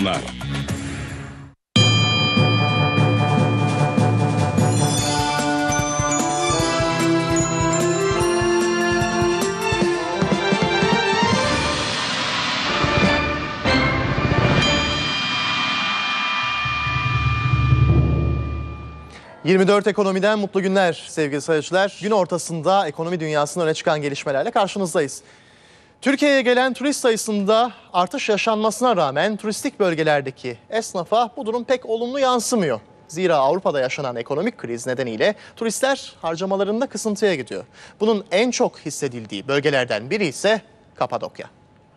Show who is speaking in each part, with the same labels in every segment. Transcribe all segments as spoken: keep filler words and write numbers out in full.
Speaker 1: sunar.
Speaker 2: yirmi dört Ekonomi'den mutlu günler sevgili seyirciler. Gün ortasında ekonomi dünyasının öne çıkan gelişmelerle karşınızdayız. Türkiye'ye gelen turist sayısında artış yaşanmasına rağmen turistik bölgelerdeki esnafa bu durum pek olumlu yansımıyor. Zira Avrupa'da yaşanan ekonomik kriz nedeniyle turistler harcamalarında kısıntıya gidiyor. Bunun en çok hissedildiği bölgelerden biri ise Kapadokya.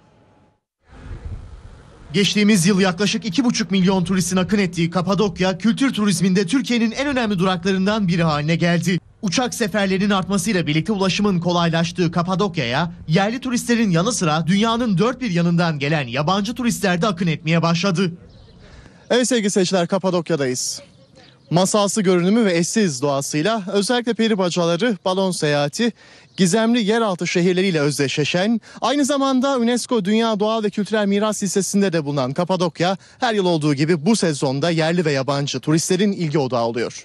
Speaker 2: Geçtiğimiz yıl yaklaşık iki buçuk milyon turistin akın ettiği Kapadokya, kültür turizminde Türkiye'nin en önemli duraklarından biri haline geldi. Uçak seferlerinin artmasıyla birlikte ulaşımın kolaylaştığı Kapadokya'ya yerli turistlerin yanı sıra dünyanın dört bir yanından gelen yabancı turistler de akın etmeye başladı. Evet sevgili seyirciler, Kapadokya'dayız. Masalsı görünümü ve eşsiz doğasıyla özellikle peri bacaları, balon seyahati, gizemli yeraltı şehirleriyle özdeşleşen, aynı zamanda UNESCO Dünya Doğal ve Kültürel Miras Listesi'nde de bulunan Kapadokya, her yıl olduğu gibi bu sezonda yerli ve yabancı turistlerin ilgi odağı oluyor.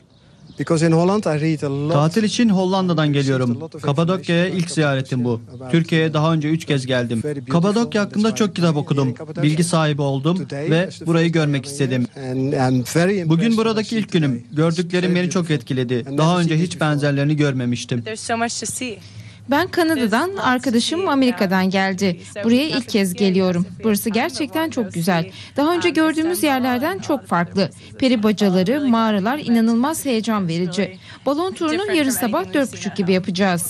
Speaker 3: Tatil için Hollanda'dan geliyorum. Kapadokya'ya ilk ziyaretim bu. Türkiye'ye daha önce üç kez geldim. Kapadokya hakkında çok kitap okudum. Bilgi sahibi oldum ve burayı görmek istedim. Bugün buradaki ilk günüm. Gördüklerim beni çok etkiledi. Daha önce hiç benzerlerini görmemiştim.
Speaker 4: Ben Kanada'dan, arkadaşım Amerika'dan geldi. Buraya ilk kez geliyorum. Burası gerçekten çok güzel. Daha önce gördüğümüz yerlerden çok farklı. Peri bacaları, mağaralar inanılmaz heyecan verici. Balon turunu yarın sabah dört buçuk gibi yapacağız.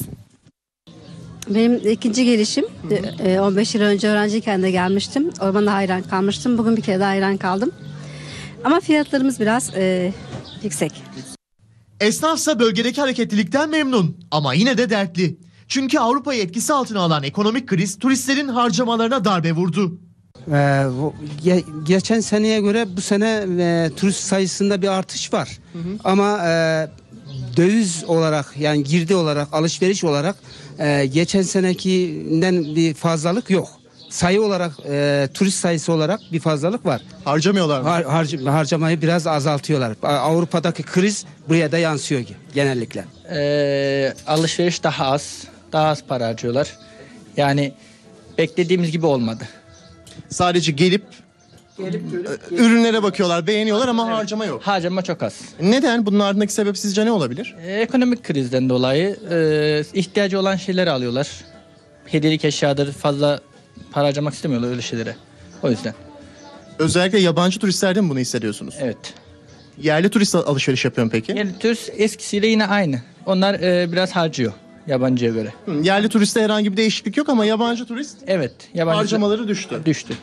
Speaker 5: Benim ikinci gelişim. on beş yıl önce öğrenciyken de gelmiştim. Ormana hayran kalmıştım. Bugün bir kere daha hayran kaldım. Ama fiyatlarımız biraz e, yüksek.
Speaker 2: Esnafsa bölgedeki hareketlilikten memnun ama yine de dertli. Çünkü Avrupa'yı etkisi altına alan ekonomik kriz turistlerin harcamalarına darbe vurdu.
Speaker 6: Ee, ge- geçen seneye göre bu sene e, turist sayısında bir artış var. Hı hı. Ama e, döviz olarak, yani girdi olarak, alışveriş olarak e, geçen senekinden bir fazlalık yok. Sayı olarak, e, turist sayısı olarak bir fazlalık var.
Speaker 2: Harcamıyorlar mı?
Speaker 6: Har- harc- harcamayı biraz azaltıyorlar. Avrupa'daki kriz buraya da yansıyor genellikle.
Speaker 7: Ee, alışveriş daha az, daha az para harcıyorlar. Yani beklediğimiz gibi olmadı.
Speaker 2: Sadece gelip, gelip ürünlere bakıyorlar, beğeniyorlar ama evet, harcama yok.
Speaker 7: Harcama çok az.
Speaker 2: Neden? Bunun ardındaki sebep sizce ne olabilir?
Speaker 7: Ee, ekonomik krizden dolayı e, ihtiyacı olan şeyleri alıyorlar. Hediyelik eşyadır, fazla para harcamak istemiyorlar öyle şeylere. O yüzden.
Speaker 2: Özellikle yabancı turistlerden bunu hissediyorsunuz.
Speaker 7: Evet.
Speaker 2: Yerli turist alışveriş yapıyor mu peki?
Speaker 7: Yerli turist eskisiyle yine aynı. Onlar e, biraz harcıyor yabancıya göre.
Speaker 2: Hı, yerli turiste herhangi bir değişiklik yok ama yabancı turist
Speaker 7: evet, yabancı
Speaker 2: harcamaları düştü.
Speaker 7: Düştü.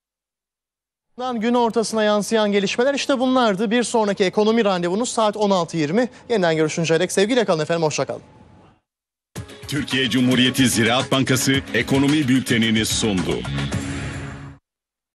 Speaker 2: Gün ortasına yansıyan gelişmeler işte bunlardı. Bir sonraki ekonomi randevunuz saat on altı yirmi. Yeniden görüşünceye dek sevgiyle kalın efendim, hoşça kalın.
Speaker 1: Türkiye Cumhuriyeti Ziraat Bankası ekonomi bültenini sundu.